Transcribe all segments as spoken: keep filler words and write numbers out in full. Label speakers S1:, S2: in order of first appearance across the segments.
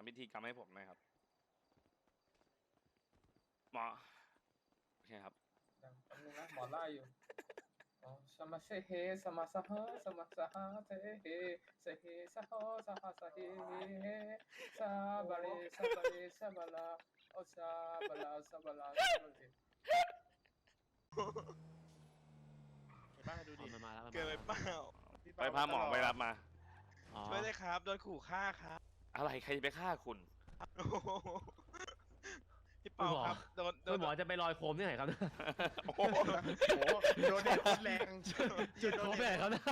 S1: พิธีกรรมให้ผมหน่อยครับหมอโอเคครับ
S2: ยังแป๊บนึงนะหมอไล่อยู่อ๋อสมาเซเฮสมาสหะสมาสหะเทเฮเซเฮสหะสหะสะเฮเฮซาบาเลซาบาเลซาบาลาโอซาบาลาซาบาลาซาบาเล
S3: ไปบ้านดูดิ
S4: มันมาแล้วมัน
S5: เกินไป
S4: มา
S5: เป
S4: แล้ว
S5: ล่า
S1: ไปพาหมอไปรับมา
S4: อ๋อ
S5: ช่วยเลยครับโดนขู่ฆ่าครับ
S1: อะไรใครจะไปฆ่าคุณ
S5: โอ้โหพี่เปาครับโดนโด
S4: คุ
S5: น
S4: ณหมอจะไปลอยโคมที่ไหนครับ
S1: โอ้โห
S3: โอ้โหโดนเด็ดโคตรแรง
S4: จุดโคมที่ไหนครับ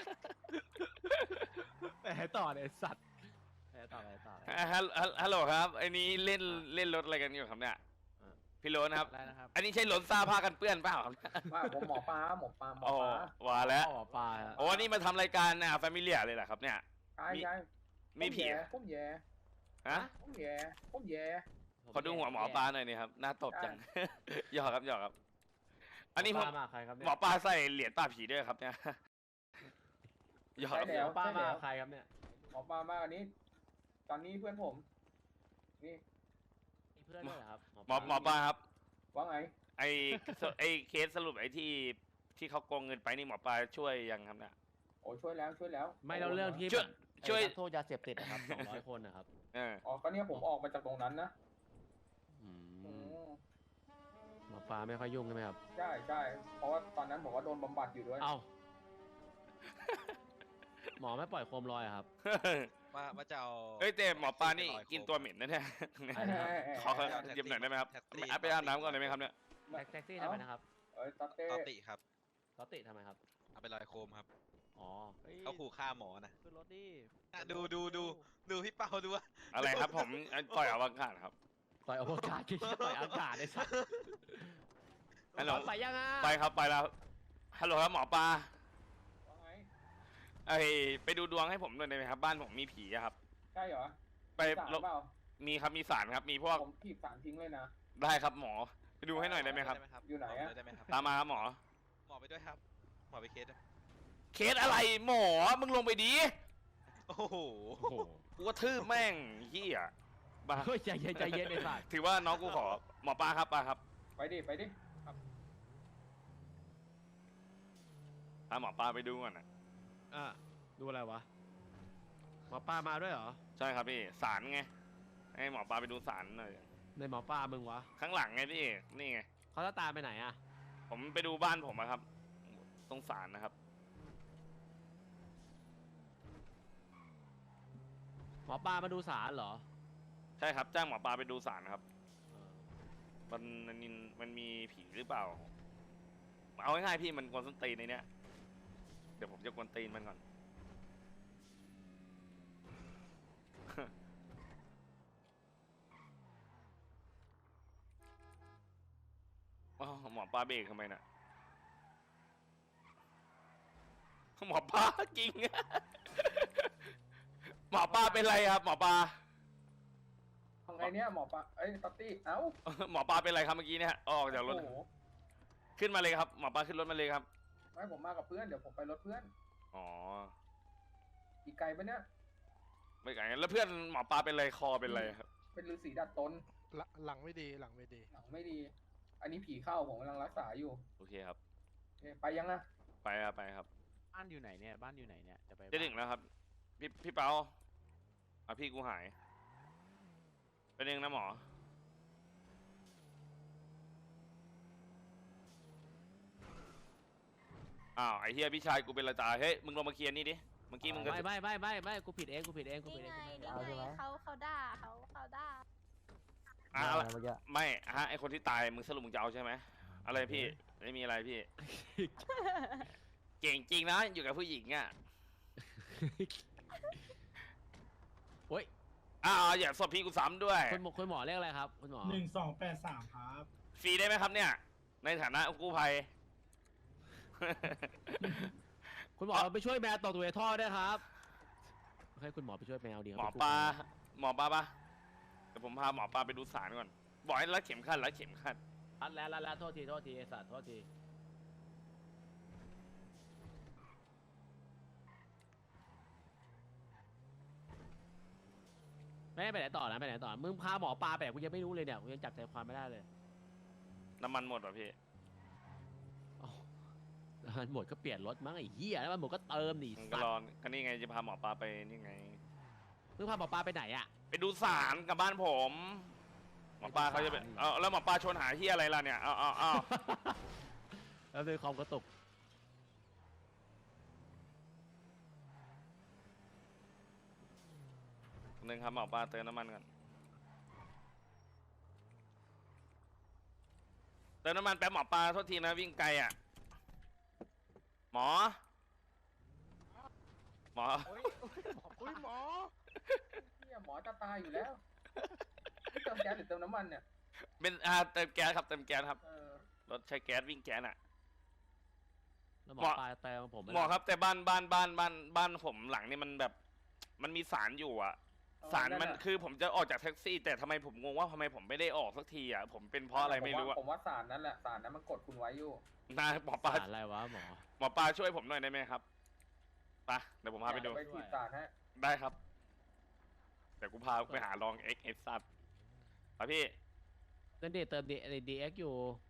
S4: แหมต่อเลยสัตว์แหมต่อเลยต่อเลย
S1: ฮัลฮัลฮัลโหลครับไอ้นี้เล่นเล่นรถอะไรกันอยู่ครับเนี่ย
S4: อ่า
S1: พี่โรนะครับ
S4: ได้นะครับ
S1: อันนี้ใช่รถซ่าผ้ากันเปื้อนเปล่าครับ
S2: ว่าผมหมอปลาหมอปลาหมอ
S1: อ๋อ
S2: ปลา
S1: ว่าแล้ว
S4: อ๋อปลาฮะ
S1: โอ้นี่มาทำรายการอ่ะแฟมิเลียเลยเหรอครับเนี่ย
S2: ใช่ใช่
S1: มีผี
S2: ผมแย่
S1: ฮะ
S2: ผมแย่ผมแย่
S1: ขอดูหัวหมอปลาหน่อยนี่ครับหน้าตบจัง หยอกครับหยอกครับ อันนี้
S4: หม
S1: ผ
S4: อ
S1: ม
S4: ปลามาใครครับเนี่ย
S1: หมอปลาใส่เหรียญปลาผีด้วยครับเนี่ยหยอกครับ
S4: หมอปลามาใครครับเนี่ย
S2: หมอปลามากอันนี้ ตอนนี้เพื่อนผม นี่
S4: มีเพื่อนด้วยเหรอครับ
S1: หมอหมอปลาครับ
S2: ว่าไง
S1: ไอไอเคสสรุปไอที่ที่เขาโกงเงินไปนี่หมอปลาช่วยยังครับเนี่ย
S2: โอ้ช่วยแล้วช่วยแล้ว
S4: ไม่เราเรื่องที่
S1: ช่วย
S4: แบบ
S1: ช่วย
S4: ไอ้นักโทษยาเสพติดนะครับสองร้อยคนนะครับ
S1: เออ
S2: อ๋อก็เนี่ยผมออกมาจากตรงนั้นนะ
S4: อื
S2: อื
S4: ม
S2: ม
S4: หมอปลาไม่ค่อยยุ่งใช่ไหมครับ
S2: ใช่ใช่เพราะว่าตอนนั้นผมก็โดนบำบัดอยู่ด้วย
S4: เอ้าหมอไม่ปล่อยโคมลอยอะครับ
S5: ว่าว่าจะเอา
S1: เฮ้ยแต่หมอปลานี่กินตัวเหม็นนะเนี่ย
S4: ใช่ครับ
S1: ขอเยี่ยมหน่อยได้ไหมครับไปอาบน้ำก่อนได้ไหมครับเนี่ย
S4: แท็กซี่ทำไมนะครับ
S2: เอ้ยตาเต้
S5: ตอติครับ
S4: รถติดทำไมครับ
S5: เอาไปลอยโคมครับ
S4: อ๋อ
S5: เขาขู่ฆ่าหมอนะ
S3: ขึ้นรถดิ
S5: อ่ะดูดูดูดูพี่เปาดูว่า
S1: อะไรครับผมปล่อยอวกาศครับ
S4: ปล่อยอวกาศที่ปล่อยอากาศไอ้สัส
S1: ฮัลโหล
S4: ไปยังอ่ะ
S1: ไปครับไปแล้วฮัลโหลครับหมอปลา
S2: ว่าไง
S1: ไอไปดูดวงให้ผมหน่อยได้ไหมครับบ้านผมมีผีอะครับ
S2: ใช่เหรอ
S1: ไป
S2: สารเปล่า
S1: มีครับมีสารครับ มีพวก
S2: ผมถีบสารทิ้งเลยนะ
S1: ได้ครับหมอไปดูให้หน่อยได้ไหมครับ
S2: อยู่ไหนอะ
S5: ได้ไหมครับ
S1: ตามมาครับหมอ
S5: หมอไปด้วยครับ หมอไปเคสด้วย
S1: เคสอะไรหมอมึงลงไปดี
S5: โอ้โห
S4: โอ้โห
S1: กูกระทืบแม่งเฮียบ้า
S4: เฮ้ยใจเย็นใจเย็นไอ้สัส
S1: ถือว่าน้องกูขอหมอปลาครับปลาครับ
S2: ไปดิไปดิ
S1: พาหมอปลาไปดูก่อนนะ
S4: อ่ะดูอะไรวะหมอปลามาด้วยเหรอ
S1: ใช่ครับพี่สารไงให้หมอปลาไปดูสารหน่อย
S4: ในหมอปลามึงวะ
S1: ข้างหลังไงพี่นี่ไง
S4: เขาจะตามไปไหนอ่ะ
S1: ผมไปดูบ้านผมอะครับ ตรงสารนะครับ
S4: หมอปลามาดูสารเหรอ
S1: ใช่ครับจ้างหมอปลาไปดูสารครับ
S4: เออ
S1: มันมันมันมีผีหรือเปล่า เอาง่ายๆพี่มันกวนส้นตีนในเนี้ยเดี๋ยวผมจะกวนตีนมันก่อน อ๋อหมอปลาเบรกทำไมน่ะหมอปลาจริง หมอปลาเป็นไรครับ หมอปลา
S2: ทำไงเนี่ยหมอปลาเอ้ยตัตตี้เอ้า
S1: หมอปลาเป็นไรครับเมื่อกี้เนี่ยออกจากรถ
S2: โอ้โห
S1: ขึ้นมาเลยครับหมอปลาขึ้นรถมาเลยครับ
S2: ไม่ผมมากับเพื่อนเดี๋ยวผมไปรถเพื่อน
S1: อ๋อ
S2: อีกไกลปะเนี่ย
S1: ไม่ไกลแล้วเพื่อนหมอปลาเป็นไรคอเป็นไรครับ
S2: เป็นฤาษีดัดตน
S3: หลังหลังไม่ดีหลังไม่ดี
S2: หลังไม่ดี อันนี้ผีเข้าผมกำลังรักษาอยู่
S1: โอเคครับ
S2: โอเคไปยังอะ
S1: ไปครับไปครับ
S3: บ้านอยู่ไหนเนี่ยบ้านอยู่ไหนเนี่ยจะไป
S1: จะถึงแล้วครับ พี่พี่เปาอ่ะพี่กูหายเป็นเองนะหมออ้าวไอ้เฮียพี่ชายกูเป็นระจาเฮ้ยมึงลงมาเคลียร์นี่ดิเมื่อกี้มึงก็
S4: ไม่ไม่ไม่ไม่ไม่กูผิดเองกูผิดเองกูผิ
S6: นี่
S4: ดเอง
S6: ไง
S4: กู
S6: นี่
S4: ไม่
S6: ไงเขาเขาด่าเขาเขาด่า
S1: อ่ะอะไรไม่ฮะไอคนที่ตายมึงสรุปมึงจะเอาใช่ไหมอะไรพี่ไม่มีอะไรพี่ เก่งจริงนะอยู่กับผู้หญิงอ่ะ
S4: โอ้ย
S1: อ้าวอย่าสอบพี่กูซ้ำด้วย
S4: คุณหมอคุณหมอเรียกอะไรครับคุณหมอ
S7: หนึ่งสองแปดสามครับ
S1: ฟรีได้ไหมครับเนี่ย ในฐานะกู้ภัย
S4: คุณหมอไปช่วยแมวตกตัวในท่อด้วยครับให้คุณหมอไปช่วยแมวดีครับ
S1: หมอปลาหมอปลาปะเดี๋ยวผมพาหมอปลาไปดูสารก่อนบอกให้รัดเข็มขัดรัดเข็มขัด
S4: รัดแล้วรัดแล้วโทษทีโทษทีไอ้สัตว์โทษทีไม่ได้ไปไหนต่อนะไปไหนต่อมึงพาหมอปลาไปไหนกูยังไม่รู้เลยเนี่ยกูยังจับใจความไม่ได้เลย
S1: น้ำมันหมดป่ะพี่
S4: อ๋อแล้วมันหมดก็เปลี่ยนรถมั้งไอ้เหี้ยแล้วมันหมดก็เติมดิ
S1: มึงก็
S4: สัต
S1: รอ
S4: ว์
S1: ก็นี่ไงจะพาหมอปลาไปนี่ไง
S4: มึงพาหมอปลาไปไหนอะ
S1: ไปดูสารกับบ้านผม หมอปลาเขาจะเป็น
S4: ไปดูศาล
S1: เอาแล้วหมอปลาชวนหาที่อะไรล่ะเนี่ยเอาเอาเอา
S4: แล้วด้วยความกระตุก
S1: หนึ่งครับหมอปลาเติมน้ำมันก่อนเติมน้ำมันแป๊บหมอปลาโทษทีนะวิ่งไกลอ่ะ หมอ หมอ
S3: โอ้ยโอ้ยหมอ
S2: เนี่ยหมอจะตายอยู่แล้วนี่เติมแก๊สหรือเติมน้ำมันเนี่ย
S1: เป็นอ่าเติมแก๊สครับเติมแก๊สครับ
S2: เออ
S1: รถใช้แก๊สวิ่งแก๊สอ่ะ
S4: แล้วหมอ
S1: หมอ
S4: ปลาเติมผม
S1: หมอครับแต่บ้านบ้านบ้านบ้านบ้านผมหลังนี่มันแบบ มันมีสารอยู่อ่ะ สารมันคือผมจะออกจากแท็กซี่ แต่ทำไมผมงงว่าทำไมผมไม่ได้ออกสักทีอ่ะผมเป็นเพราะอะไรไม่รู้อ่ะ
S2: ผมว่าสารนั้นแหละสารนั้นมันกดคุณไว้อยู่
S1: นะหมอปลา
S4: สารอะไรวะหมอ
S1: หมอปลาช่วยผมหน่อยได้ไหมครับไปะเดี๋ยวผมพาไปดู
S2: ไปฉีดสารฮะ
S1: ได้ครับเดี๋ยวกูพาไปหาลองเอ็กเอซัดไปพี่
S4: เติมดีเติมดีดีเอ็กอยู่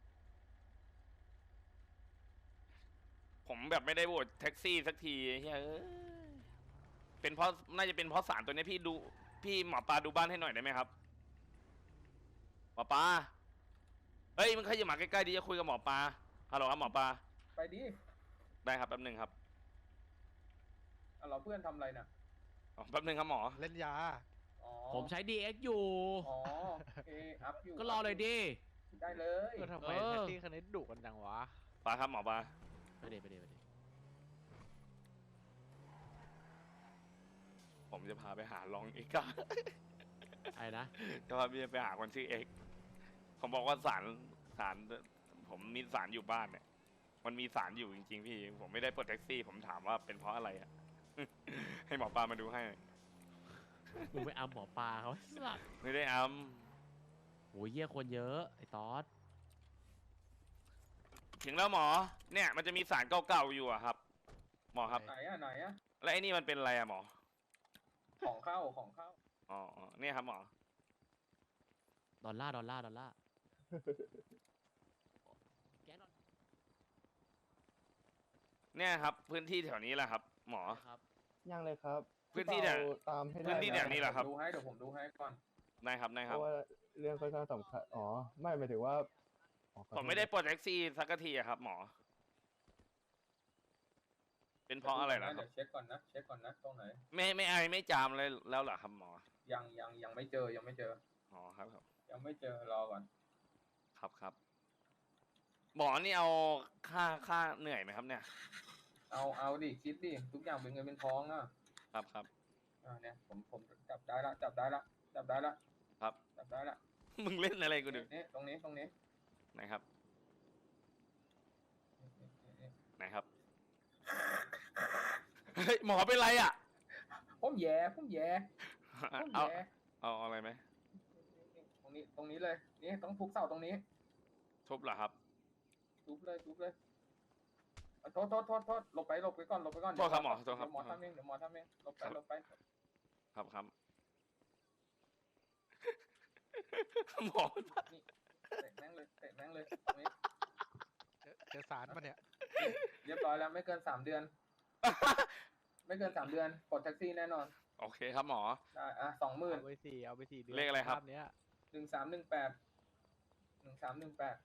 S1: ผมแบบไม่ได้โหวตแท็กซี่สักทีเฮ้ยเอ้ยเป็นเพราะน่าจะเป็นเพราะสารตัวนี้พี่ดูพี่หมอปลาดูบ้านให้หน่อยได้ไหมครับหมอปลาเฮ้ยมึงขยับมาใกล้ๆดิจะคุยกับหมอปลาฮัลโหลครับหมอปลา
S2: ไปดิ
S1: ได้ครับแป๊บหนึ่งครับ
S2: อ่ะเราเพื่อนทำอะไรน่ะ
S1: อ๋อแป๊บหนึ่งครับหมอ
S3: เล่นยา
S2: อ๋อ
S4: ผมใช้ ดี เอ็กซ์ อยู่
S2: อ๋อโอเคอัพอยู่
S4: ก็รอเลยดิ
S2: ได้เลย
S3: เออทำไม
S4: เออ
S3: แท็กซี่คันนี้ดุกันจังวะ
S1: ปลาครับหมอปลา
S4: ไปดิไปดิไปดิ
S1: ผมจะพาไปหาลองเอ็กซ์
S4: ไอ้นะ
S1: จะพาพี่ไปหาคนชื่อเอ็กซ์ผมบอกว่าสารสารผมมีสารอยู่บ้านเนี่ย มันมีสารอยู่จริงๆพี่ ผมไม่ได้ปลดแท็กซี่ ผมถามว่าเป็นเพราะอะไรอะ ให้หมอปลามาดูให้
S4: มึงไปอัมหมอปลาเขาสัตว์
S1: ไม่ได้อัม
S4: โอ้ยเยี่ยคนเยอะไอ้ตอส
S1: ถึงแล้วหมอ เนี่ยมันจะมีสารเก่าๆอยู่อะครับ หมอครับ
S2: ไหนอ่ะไหนอ่ะ
S1: แล้วไอ้นี่มันเป็นอะไรอะหมอ
S2: ของเข้าของเข้า
S1: อ๋ออ๋อเนี่ยครับหมอ
S4: ดอลลาร์ดอลลาร์ดอลลาร์แกนดอล
S1: เนี่ยครับ พื้นที่แถวนี้แหละครับ หมอ
S4: ครับ
S7: ยังเลยครับ
S1: พื้นที่เนี่ย
S7: พี่เปาตามให้ได้
S1: พื้นที่
S7: นะ
S1: แถวนี้แหละครับ
S2: ดูให้เดี๋ยวผมดูให้ก่อน
S1: ได้ครับได้
S7: เพ
S1: ครับ
S7: ราะว่าเรื่องค่อนข้างสำคัญอ๋อ ไม่หมายถึงว่าอ๋อขอโทษ
S1: ผมไม่ได้ปลดแท็กซี่สักทีอะครับ หมอ เป็นเพราะอะไรล่ะค
S2: เดี๋
S1: รั
S2: ย
S1: บ
S2: วเช็คก่อนนะเช็คก่อนนะตรงไหน
S1: ไม่ไม่ไอไม่จามเลยแล้วเหรอครับหมอ
S2: ยังยังยังไม่เจอยังไม่เจอ
S1: อ๋อครับครับ
S2: ยังไม่เจอรอก่อน
S1: ครับครับหมอนี่เอาค่าค่าเหนื่อยไหมครับเนี่ย
S2: เอาเอาดิคิดดิทุกอย่างเป็นเงินเป็นทองนะครับ
S1: ครับ
S2: อ่าเนี่ยผมผมจับได้ละจับได้ละจับได้ละ
S1: ครับ
S2: จับได้ละ
S1: มึงเล่นอะไรกูดู
S2: นี่ตรงนี้ตรงนี้
S1: ไหนครับ
S2: นี่นี่นี่
S1: ไหนครับ เฮ้ยหมอเป็นไรอ่ะ
S2: ผมแย่ผมแย่ผม
S1: เอา
S2: แย่
S1: เอาเอาอะไรไหม
S2: ตรงนี้ตรงนี้เลยนี่ต้องทุบเสาตรงนี้
S1: ทุบเหรอครับ
S2: ทุบเลยทุบเลยเอาโทษโทษโทษโทษหลบไปหลบไปก่อนหลบไปก่อน
S1: โทษครับหมอโทษครับ
S2: เดี๋ยวหมอทำเองเดี๋ยวหมอทำเองหลบไปหลบไป
S1: ครับครับ หมอ
S2: เตะแม่งเลยเตะแม่งเลยตรงนี้
S3: เจอเจอสารปะเนี่ย
S2: เรียบร้อยแล้วไม่เกินสามเดือน ไม่เกินสามเดือนปลดแท็กซี่แน่นอน
S1: โอเคครับหมอ
S2: ได้อ่ะสองหมื่น
S3: เอาไปสี่เอาไปสี่เดือน
S1: เลขอะไรครับ
S3: ภาพเนี้ย
S2: หนึ่งสามหนึ่งแปดหนึ่งสามหนึ่งแปด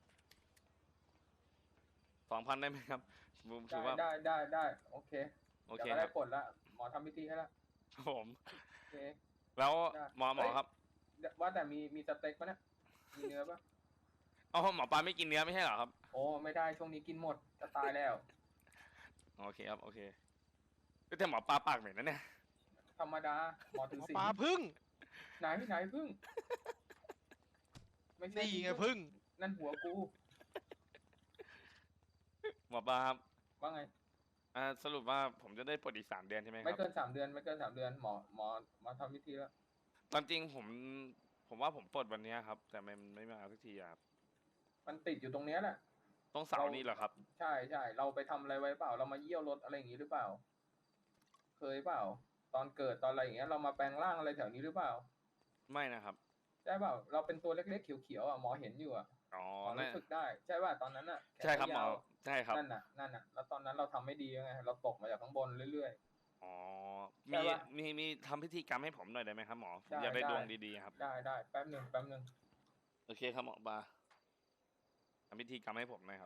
S1: สองพันได้ไหมครับผมถื
S2: ได้
S1: อว่า
S2: ได้ได้ได้โอเค
S1: โอ
S2: เดี๋
S1: เค
S2: ยวก็
S1: ค
S2: ได้
S1: รับ
S2: ปลดละหมอทำพิธีให้ละ
S1: ครับผม
S2: โอเค
S1: แล้ว
S2: ได้
S1: หมอหมอ
S2: เฮ้ย
S1: ครับ
S2: เดี๋ยวว่าแต่มีมีสเต็กปะเนี่ยมีเนื้อปะ
S1: อ๋อหมอปลาไม่กินเนื้อไม่ใช่เหรอครับ
S2: โอ้ไม่ได้ช่วงนี้กินหมดจะตายแล้ว
S1: โอเคครับโอเคแต่หมอปลาปากเหม็นนะเนี่ย
S2: ธรรมดาหมอถือ
S3: หมอ
S2: ศีล
S3: ปลาพึ่ง
S2: ไหนไหนพึ่งไม่ใช่
S3: นี่ไงพึ่ง
S2: นั่นหัวกู
S1: หมอปลาครับ
S2: ว่าไง
S1: อ่าสรุปว่าผมจะได้ปลดอีกสามเดือนใช่ไหมค
S2: ไม่
S1: รับ
S2: เกินสามเดือนไม่เกินสามเดือนหมอหมอหมอทำพิธีแล้ว
S1: ตามจริงผม ผมว่าผมปลดวันเนี้ยครับ แต่มันไม่มาสักทีอะครับ
S2: มันติดอยู่ตรงเนี้ยแหละ
S1: ต้องเสาร์นี้เหรอครับ
S2: ใช่ใช่เราไปทำอะไรไว้เปล่า เรามาเยี่ยวรถอะไรอย่างงี้หรือเปล่า เคยเปล่า ตอนเกิดตอนอะไรอย่างเงี้ยเรามาแปลงร่างอะไรแถวนี้หรือเปล่า
S1: ไม่นะครับ
S2: ใช่เปล่าเราเป็นตัวเล็กๆเขียวๆอ่ะหมอเห็นอยู่อ่ะ
S1: อ๋อ
S2: หมอ
S1: นั่
S2: รู้
S1: น
S2: สึกได้ใช่ป่ะตอนนั้นอ่ะแขน
S1: ใช่ครับหมอ
S2: ยาว
S1: ใช่ครับ
S2: นั่นน่ะนั่นน่ะแล้วตอนนั้นเราทำไม่ดีไงเราตกมาจากข้างบนเรื่อย
S1: อ๋อ
S2: ใช่
S1: มี
S2: ปะ
S1: มีมีทำพิธีกรรมให้ผมหน่อยได้ไหมครับหมอผม
S2: ได้
S1: อยากได้
S2: ได้
S1: ดวงดีๆครับ
S2: ๆได้ได้แป๊บหนึ่งแป๊บหนึ่ง
S1: โอเคครับหมอปลาทำพิธีกรรมให้ผมหน่อยครับ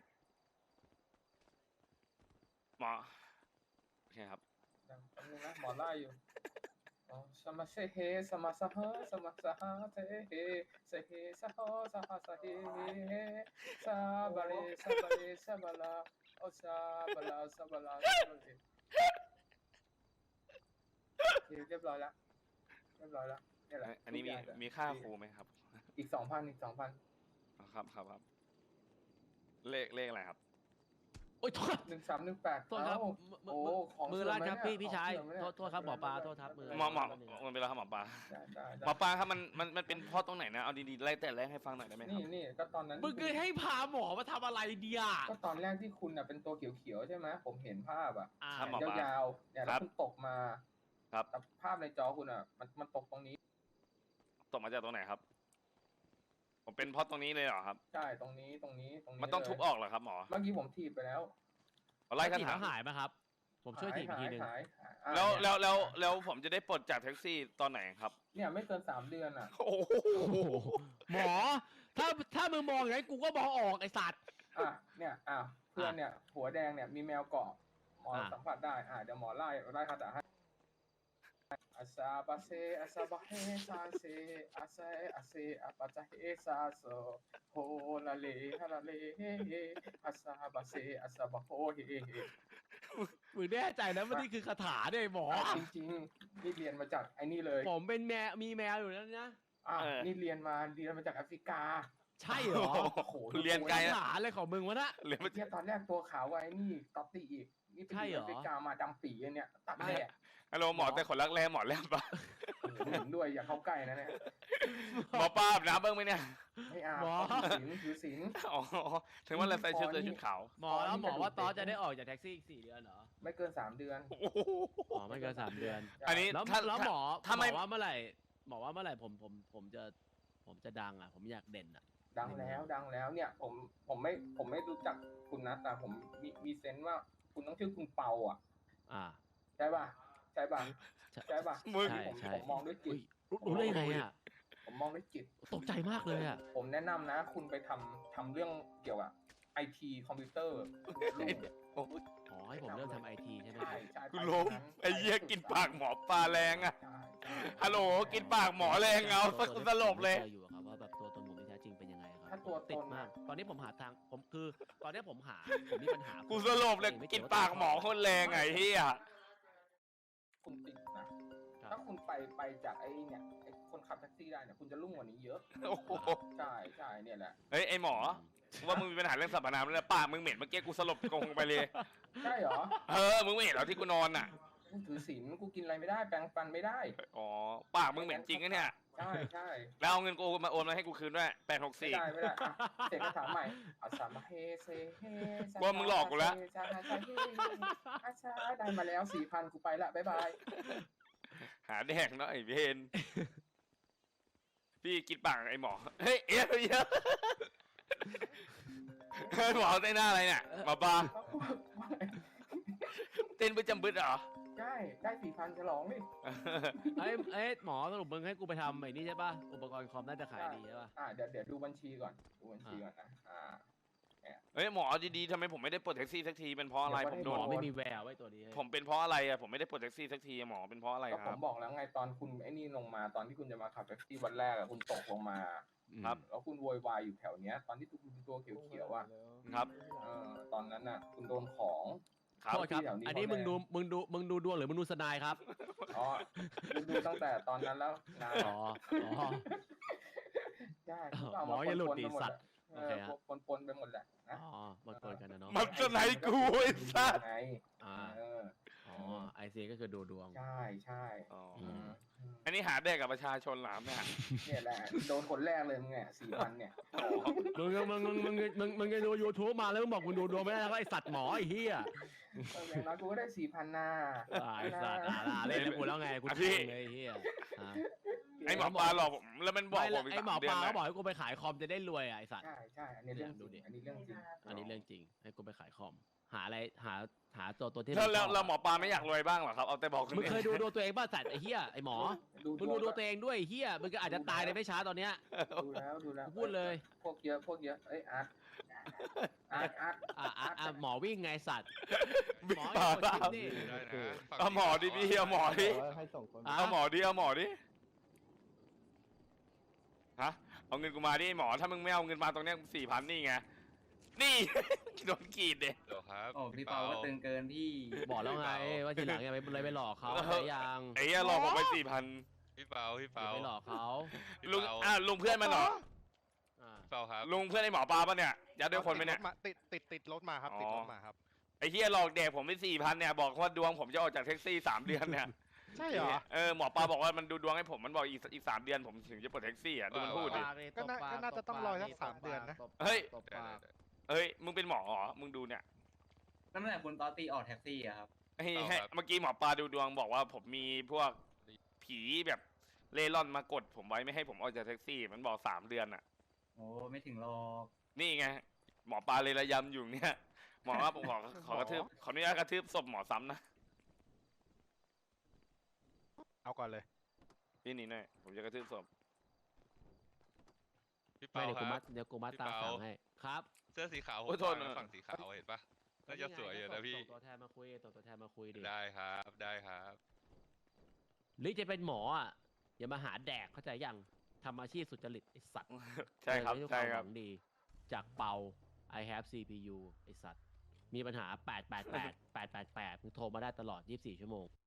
S1: หมอ โอเคครับ
S2: แป๊บหนึงนะหมอไล่อยู่อ๋อสมาเซเฮสมาสะฮะสมาสะฮะเทเฮเซเฮสะฮะสะฮะสะเฮเฮซาบาเรซาบาเรซาบาลาโอซาบาลาซาบาลาซาบาเรโอเคเรียบร้อยแล้วเรียบร้อยแล้วนี่แหละ
S1: อันนี้มี
S2: ทุกอย่าง
S1: มีค่าครูไหมครับ
S2: อีกสองพันอีกสองพัน
S1: อ๋อครับครับครับ เลขเลขอะไรครับ
S4: โอ้ยโทษ
S2: หนึ่งสามหนึ่งแปด
S4: โทษครับ
S2: โอ้ของ
S4: มือ
S2: เสื่
S4: ลั่น
S2: ไห
S4: ครับ
S2: เนี่
S4: พี่
S2: ย
S4: พี่ชาย
S2: ของเสื่อไหม
S4: โท
S2: เนี่ย
S4: ษโทษครับหมอปลาโทษครับมือ
S1: หมอหมอ
S4: แป๊บนึงนะ
S1: มันเป็นแล้วครับหมอปลา
S2: ได้ได้ได้
S1: หมอปลาครับมันมันมันเป็นเพ่อตรงไหนนะ เอาดีๆไล่แต่แรกให้ฟังหน่อยได้ไหมค
S2: นี่
S1: รับ
S2: นี่ก็ตอนนั้น
S4: มึงเคยให้พาหมอมาทำอะไรเดีย
S2: ก็ตอนแรกที่คุณน่ะเป็นตัวเขียวๆใช่ไหมผมเห็นภาพอ่ะ
S4: อ่า
S1: ครับหมอ
S2: ยาวๆเนี่ย
S1: ค
S2: แล้
S1: รั
S2: ว
S1: บ
S2: คุณตกมา
S1: ครับ
S2: แต่ภาพในจอคุณอ่ะ มันมันตกตรงนี้
S1: ตกมาจากตรงไหนครับ ผมเป็นเพ่อตรงนี้เลยเหรอครับ
S2: ใช่ตรงนี้ตรงนี้ตรงนี้
S1: มันต้อง
S2: เลย
S1: ทุบออกเหรอครับหมอ
S2: เมื่อกี้ผมถีบไปแล้ว
S1: เอาไล่คา
S4: ถีบ
S1: ถา
S4: แล้วหายไหมครับ ผมช่วยถีบอีกทีหนึง
S2: หายหายหาย
S1: แล้ว
S2: อ่ะ
S1: แล้วแล้วแล้วผมจะได้ปลดจากแท็กซี่ตอนไหนครับ
S2: เนี่ยไม่เกินสามเดือนอ่ะ
S1: โอ้โห
S4: โอ้โหหมอ ถ้าถ้ามึงมองอย่างนั้นกูก็มองออกไอสัตว์
S2: อ่ะเนี่ยอ่ะเพื่อนเนี่ย หัวแดงเนี่ยมีแมวเกาะหมอ
S4: อ่ะ
S2: สัมผัสได้อ่ะเดี๋ยวหมอไล่ไล่คาถาให้อาซาบาเซอาซาบาเฮซาเซอาเซอาเซอาปาจาเฮซาโซโฮลาเลฮาลาเลเฮเฮอาซาบาเซอาซาบาโฮเฮเฮ
S4: มึงแน่ใจนะว่านี่คือคาถาเนี่ยหมอ
S2: จริงๆนี่เรียนมาจากไอ้นี่เลย
S4: ผมเป็นแมวมีแมวอยู่แล้วนะ
S2: อ่ะนี่เรียนมาเรียนมาจากแอฟริกา
S4: ใช่เหรอ
S2: โอ้โห
S1: คุณเรียนไกล
S4: คา
S1: นะ
S4: ถาอะไรของมึงวะนะ
S1: เรียนมา
S2: เที่ยตอนแรกตัวขาวไว้นี่ต๊อปตี้อีกนี่ไป
S4: ใช่
S2: อ
S4: เหร
S2: ยู่
S4: อ
S2: แอฟริกามาดำปีอันเนี่ยตัดแดด
S1: ฮัลโหลหมอแต่ขนรักแร้หมอแลบปะ
S2: โอ้โหเห็นด้วยอย่าเข้าใกล้นะเนี่ย
S1: หมอป้าอาบน้ำบ้างไหมเนี่ย
S2: ไม่อาบ
S4: หมอ
S2: ถือศีลถือศีล
S1: อ๋อ ถึงว่าเราใส่ชุดใส่ชุดขาว
S4: หมอแล้วหมอว่าตอสจะได้ออกจากแท็กซี่อีกสี่เดือนเหรอ
S2: ไม่เกินสามเดือน
S1: โอ้โห
S4: หมอไม่เกินสามเดือน
S1: อันนี้
S4: แล้ว
S1: ถ้า
S4: แล้วหมอ
S1: ถ้า
S4: หม
S1: ไม่
S4: อว่าเมื่อไหร่หมอว่าเมื่อไหร่ผมผมผมจะผมจะดังอ่ะ ผมอยากเด่นอ่ะ
S2: ดังแล้วดังแล้วเนี่ยผมผมไม่ผมไม่รู้จักคุณนะแต่ผมมีมีเซนส์ว่าคุณต้องชื่อคุณเปาอ่ะ
S4: อ่า
S2: ใช่ป่ะใช่ป่ะ
S4: ใช่
S2: ใช่ป่ะ
S1: มึง
S4: ใช่
S2: ผม
S4: ใช่
S2: ผมมองด้วยจิ
S4: อุ้
S2: ต
S4: ยรู้รู้ได้ยังไงอ่ะ
S2: ผมมองด้วยจิต
S4: ตกใจมากเลยอ่ะ
S2: ผมแนะนำนะ คุณไปทำทำเรื่องเกี่ยวกับไอทีคอมพิวเตอร์
S1: โอ้โห
S4: อ๋อให้ผมเริ่มทำไอทีใช่ไหม
S2: ใช่
S4: ครับ
S2: ใช่
S1: กูล้มไอ้เหี้ยกินปากหมอปลาแรงอะ
S2: ใช่ใช่
S1: ฮัลโหลกินปากหมอแรงเอาสักสลบเลย
S4: จออยู่อะครับว่าแบบตัวตนผมที่แท้จริงเป็นยังไงครับ
S2: ถ้าตัวต
S4: ติด
S2: น
S4: มาก ตอนนี้ผมหาทางผมคือ ตอนนี้ผมหาผมมีปัญหา
S1: กูสลบเลยกินปากหมอคนแรงไงเฮีย
S2: คุณติดนะ ถ้าคุณไปไปจากไอ้เนี่ยไอ้คนขับแท็กซี่ได้เนี่ยคุณจะรุ่งกว่านี้เยอะ
S1: โอ้โห
S2: ใช่ใช่เนี่ยแหละ
S1: เฮ้ยไอหมอ ว่ามึงมีปัญหาเรื่องสรรพนามแล้วปากมึงเหม็นเมื่อกี้กูสลบกงไปเลย
S2: ใช่เหรอ
S1: เออ มึงไม่เห็นเหรอที่กูนอนอ่ะ
S2: กูถือศีลกูกินอะไรไม่ได้แปรงฟันไม่ได้
S1: อ๋อ ปากมึงเหม็นจริงนะเนี่ย
S2: ใช่ใช่
S1: แล้วเอาเงินกูมาโอนมาให้กูคืนด้วยแปดหก
S2: ไม่
S1: สี่
S2: ได้ไม่ได้อ่ะเสกคาถาใหม่อาสามาเฮเซเฮซ
S1: ว่ามึงหลอกกูแล้ว
S2: ซาฮาซาเฮอาชาได้มาแล้วสี่พันกูไปละบ๊ายบาย
S1: หาแดกเนาะไอ้เวนพี่กินปากไอ้หมอ เฮ้ยเอ๊ะเยอะเฮ้ยหมอเต้นหน้าอะไรเนี่ยหมอปลาเต้นประจำบึดเหรอ
S2: ใช่ได้สี่พันฉลองดิ
S4: ไอ้ไอ้ยหมอสรุปมึงให้กูไปทำไอ้นี่ใช่ป่ะ อุปกรณ์คอมน่าจะขายดีใช่ป่ะ
S2: อ่าเดี๋ยวเดี๋ยวดูบัญชีก่อนดูบัญชีก่อนนะอ่า
S1: เฮ้ยหมอดีๆทำไมผมไม่ได้ปลดแท็กซี่สักทีเป็นเพราะอะไร
S2: เดี๋
S1: ผ
S2: ยว
S1: ม
S2: ก็
S1: โด
S4: หม
S1: น
S4: อไม่มีแววไว้ตัวนี้
S1: ผมเป็นเพราะอะไรอะผมไม่ได้ปลดแท็กซี่สักทีอะหมอเป็นเพราะอะไร
S2: ก็
S1: ค
S2: ผ
S1: รั
S2: ม
S1: บ
S2: บอกแล้วไงตอนคุณไอ้นี่ลงมาตอนที่คุณจะมาขับแท็กซี่วันแรกอะคุณตกลงมา
S1: ครับ
S2: แล้วคุณโวยวายอยู่แถวเนี้ย ตอนที่คุณเป็นตัวเขียวๆอ่ะ
S1: ครับ
S2: เออตอนนั้นน่ะ คุณโดนของ
S1: ครับ
S4: โทษครับ
S2: ที่แถวนี้
S4: อันนี้
S2: เขา
S4: มึง
S2: แน่
S4: ดูมึงดูมึงดูดวงหรือมึงดูสนายครับ
S2: อ๋อคุณดูตั้งแต่ตอนนั้นแล้วนาน
S4: อ๋อ อ๋อ
S2: ใช่
S4: อ๋อ
S2: ก็เา
S4: หมออย่าหลุดดิ
S2: ปนๆไปม
S4: สัตว์
S2: เอ
S4: โอเค
S2: อ
S4: ฮะ
S2: ปนปนๆไปหมดแหละนะ
S4: อ๋อมาเกินกันนะเนาะ
S1: มันจะไหนกูไอ้สัส
S2: ไง
S4: อ่า
S2: เออ
S4: อ๋อ ไอซีก็คือดูดวง
S2: ใช่ใช่
S1: อ๋อ
S4: อืม
S2: อืม
S1: อันนี้หาแดกกับประชาชนเหรอเนี่ย
S2: เนี่ยแหละโดนคนแรกเลยมึงไงสี่พันเนี่ย
S4: มึงมึงมึงมึงมึงมึงจะดูยูทูบมาแล้วมึงบอกมึงดูดวงไม่ได้แล้วก็ไอสัตว์หมอไอเฮีย
S2: เอออย่างน้อยกูก็ได้สี่พันนา
S4: อ่าไอสัตว์อ่าอ่าเล่นกับกูแล้วไงกู
S1: อ่ะ
S4: ท
S1: พี่
S4: งเลยไอ้เฮียอ่า
S2: เก
S1: ไอหมอปลาหลอกผมแล้วมันบอก
S4: ไม่
S1: ผ
S4: แล้ว
S1: มอีก
S4: ไอ้หมอ
S1: สามเดื
S4: ป
S1: อน
S4: ลา
S1: นะ
S4: ก็บอกให้กูไปขายคอมจะได้รวยอ่ะไอสัตว์
S2: ใช่ใช่อันนี้เรื่องจ
S4: ดู
S2: ริ
S4: ดิ
S2: งอันนี้เรื่องจริง
S4: อันนี้เรื่องจริงให้กูไปขายคอม หาอะไรหาหาตัวตัวที่
S1: แล้วแล้ว
S4: มึงชอบ
S1: แล้วหมอปลาไม่อยากรวยบ้างเหรอครับเอาแต่บอกคน
S4: มึง
S1: อื่น
S4: เคยดูดูตัวเองป่ะสัตว์ไอ้เหี้ยไอ้หมอ
S2: ดู
S4: มึงดูดูตัวเองด้วยไอ้เหี้ยมึงก็อาจจะตายในไม่ช้าตอนเนี้ย
S2: ดูแล้วดูแล้ว
S4: พูดเลย
S2: พวกเยอะพวกเยอะเอ้ยอาร์ตอาร์ตอาร์ต
S4: อ่ะอ่ะอ่ะหมอวิ่งไงสัตว์
S1: บิ๊ก
S4: หมอ
S1: ปลา
S4: อย่ากดชิปดิ
S5: ได้นะฝั่ง
S1: เอาหมอดิพี่เอาหมอดิ
S7: บอกว่าให้ส่งคน
S4: อ่ะ
S1: เอาหมอดิเอาหมอดิฮะเอาเงินกูมาดิหมอถ้ามึงไม่เอาเงินมาตรงเนี้ยสี่พันนี่ไงนี่ โดนกรีดเด็
S5: เดี๋ยวครับ
S8: โอ้พี่เปาก็ตึงเกินพี่
S4: บอกแล้วไงว่าทีหลังอย่าไปเลยไปหลอกเขา
S1: เออ
S4: ใช่ยัง
S1: ไอ้เหี้ยหลอกผมไปสี่พัน
S5: พี่เปาพี่
S4: อย่า
S5: เปา
S4: ไปหลอกเขา
S5: พี่
S1: ลุง
S5: เปา
S1: อ่ะลุงเพื่อนมันเหรอ
S4: อ่ะ
S5: พี่เปาครับ
S1: ลุงเพื่อนไอ้หมอปลาปะเนี่ยยัดด้วยคนไหมเนี่ย
S3: ติดติดติดรถมาครับ
S1: อ๋อ
S3: ติดรถมาครับ
S1: ไอ้เหี้ยหลอกเด็กผมไปสี่พันเนี่ยบอกว่าดวงผมจะออกจากแท็กซี่สามเดือนเนี่ย
S3: ใช่เหรอ
S1: เออหมอปลาบอกว่ามันดูดวงให้ผมมันบอกอีกอีกสามเดือนผมถึงจะปลดแท็กซี่อ่ะดูมันพูดดิ
S3: ก็น่าก็น่าจะต้องรอสักสามเดือนนะ
S1: เฮ้ย
S4: ตบปาก
S1: เฮ้ยมึงเป็นหมอเหรอมึงดูเนี่ย
S8: นั่นแหละคุณตอตตี้ออกแท็กซี่อะครับ
S1: ให้ให้เมื่อกี้หมอปลาดูดวงบอกว่าผมมีพวกผีแบบเล่ร่อนมากดผมไว้ไม่ให้ผมออกจากแท็กซี่ มันบอกสามเดือนอ่ะ
S8: โอ้ไม่ถึงหรอก
S1: นี่ไงหมอปลาเลยระยำอยู่เนี่ยหมอว่าผมขอขอกระทืบขออนุญาตกระทืบศพหมอซ้ำนะ
S3: เอาก่อนเลย
S1: พี่นี่หน่อยผมจะกระทืบศพ
S5: พี่
S4: ไม่
S5: เปา
S4: เดี๋ยว
S5: ค
S4: กู
S5: รั
S4: มั
S5: บ
S4: ดเดี๋ยวกูมัดตาม
S5: พี่เปา
S4: สั่งให้ครับ
S5: เสื้อสีขาวผม
S1: โอ้ยโทษ
S5: วาง
S1: นะ
S5: ฝั่งสีขาวเห็นปะน่าจะสวยอยู่นะพี่
S4: ส่งตัวแทนมาคุยส่งตัวแทนมาคุยดิ
S5: ได้ครับได้ครับ
S4: หรือจะเป็นหมออ่ะอย่ามาหาแดกเข้าใจยังทำอาชีพสุจริตไอสัตว์
S1: ใช่ครับ
S4: เออ
S1: ใช่
S4: ด้วย
S1: ค
S4: วา
S1: รับ
S4: มหวังดี จากเปา I have ซี พี ยู ไอสัตว์ มีปัญหา แปด แปด แปด แปด แปด แปด มึงโทรมาได้ตลอด ยี่สิบสี่ ชั่วโมง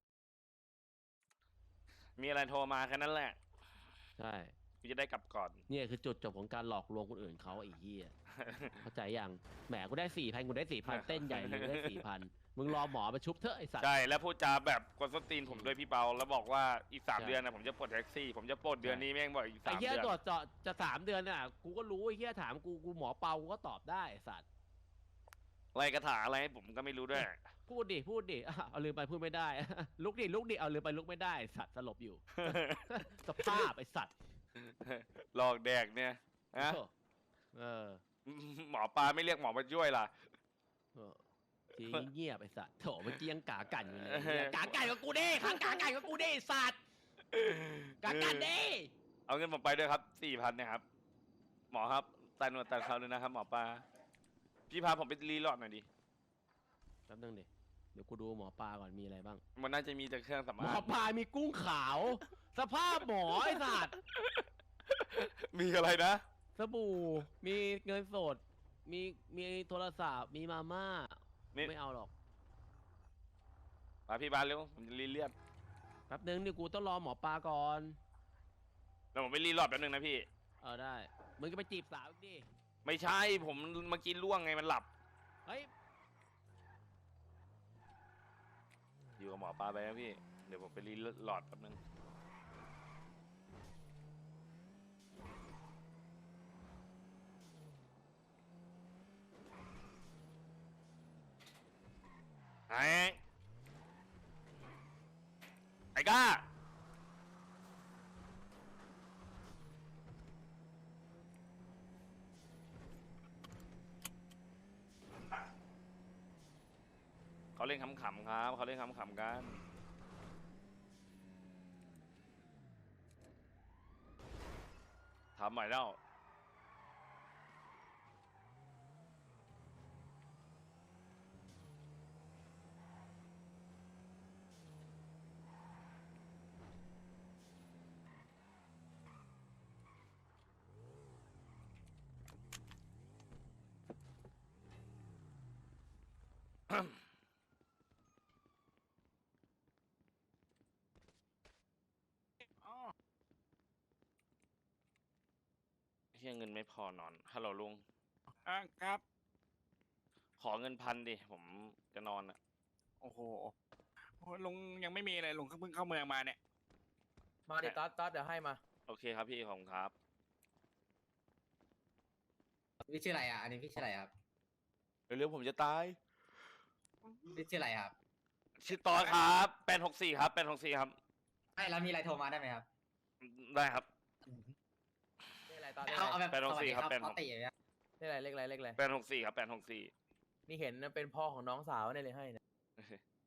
S1: มีอะไรโทรมาแค่นั้นแหละ
S4: ใช่
S1: กูจะได้กลับก่อน
S4: เนี่ยคือจุดจบของการหลอกลวงคนอื่นเขาไอ้เหี้ย เข้าใจยังแหมกูได้สี่พันกูได้สี่พันเต้นใหญ่เลยกูได้สี่พันมึงรอหมอมาชุบเถอะไอสัตว์
S1: ใช่แล้วพูดจาแบบกวนส้นตีนผมด้วยพี่เปาแล้วบอกว่าอีกสาม
S4: ใช่
S1: เดือนนะผมจะปลดแท็กซี่ ผมจะปลดเดือนนี้แม่งบอกอีก
S4: ไอ้
S1: สาม
S4: เหี้ย
S1: เดือน
S4: ตรวจเจาะจะสามเดือนน่ะ กูก็รู้ไอ้เหี้ยถามกูกูหมอเปากูก็ตอบได้ไอ้สัตว์
S1: อะไรกระถาอะไรให้ผมก็ไม่รู้ด้วย
S4: พูดดิพูดดิอ่ะเอาลืมไปพูดไม่ได้ ลุกดิลุกดิเอาลืมไปลุกไม่ได้ไอ้สัตว์สลบอยู่ สภาพไอ้สัตว์
S1: หลอกแดกเนี่ยฮะ
S4: เออ
S1: หมอปลาไม่เรียกหมอมาช่วยล่ะ
S4: เออทีเงียบไอ้สัตว์โถเมื่อกี้ยังกากันอยู่เลยไอ้เหี้ยกากันกับกูดิขังกากันกับกูดิไอ้สัตว์กากันดิ
S1: เอาเงินผมไปด้วยครับสี่พันเนี่ยครับ หมอครับตายหนวดตายเขาเลยนะครับ หมอปลาพี่พาผมไปรีโหลอดหน่อยดิ
S4: แป๊บนึงดิเดี๋ยวกูดูหมอปลาก่อนมีอะไรบ้าง
S1: มันน่าจะมีแต่เครื่องสำ
S4: หม
S1: อา
S4: อง ปลามีกุ้งขาว สภาพหมอไอ้สัตว์
S1: มีอะไรนะ
S4: สบู่มีเงินสด มีมีโทรศัพท์มีมาม่า
S1: นี่
S4: ไม่เอาหรอก
S1: มาพี่บานเร็วผมจะรีเลียด
S4: แป๊บนึงนี่กูต้องรอหมอปลาก่อน
S1: แล้วผมไปรีโหลอดแป๊บนึงนะพี่
S4: เออได้มึงก็ไปจีบสาวอีกดิ
S1: ไม่ใช่ผมเมื่อกี้ล่วงไงมันหลับ
S4: เฮ้ย
S1: อยู่กับหมอปลาไปนะพี่ เดี๋ยวผมไปรีโหลอดแป๊บนึง ไอ้ไอ้ก้าเขาเล่นขำๆครับเขาเล่นขำๆกันทำใหม่แล้วเฮียเงินไม่พอนอนฮัลโหลลุง
S9: อ่าครับ
S1: ขอเงินพันดิ ผมจะนอนอ่ะ
S9: โอ้โหโอ้ยลุงยังไม่มีเลยลุงเพิ่งเข้าเมืองมาเนี่ย
S10: มาดิต๊อดต๊อดเดี๋ยวให้มา
S1: โอเคครับพี่ขอบคุณครับ
S8: พี่ชื่ออะไรอ่ะ อันนี้พี่ชื่ออะไรครับ
S1: เร็วๆผมจะตาย
S8: พี่ชื่ออะไรครับ
S1: ชื่อตอครับแปดหกสี่ครับแปดหกสี่ครับ
S8: ไม่แล้วมีอะไรโทรมาได้ไหมครับ
S1: ได้ครับ
S10: เลขอะไรตอนเลข
S8: เอา
S10: อะ
S8: เอา
S10: ไร
S8: แบบ
S1: แปดหกสี่ครับ
S8: สวัส
S1: แป
S8: ดี
S1: ดหก
S8: ตอตตีอย่างเงี้ย
S10: เลขอะไรเลขอะไรเลขอะไร
S1: แปดหกสี่ครับแปดหกสี่
S10: นี่เห็นเป็นพ่อของน้องสาวเนี่ยเลยให้นะ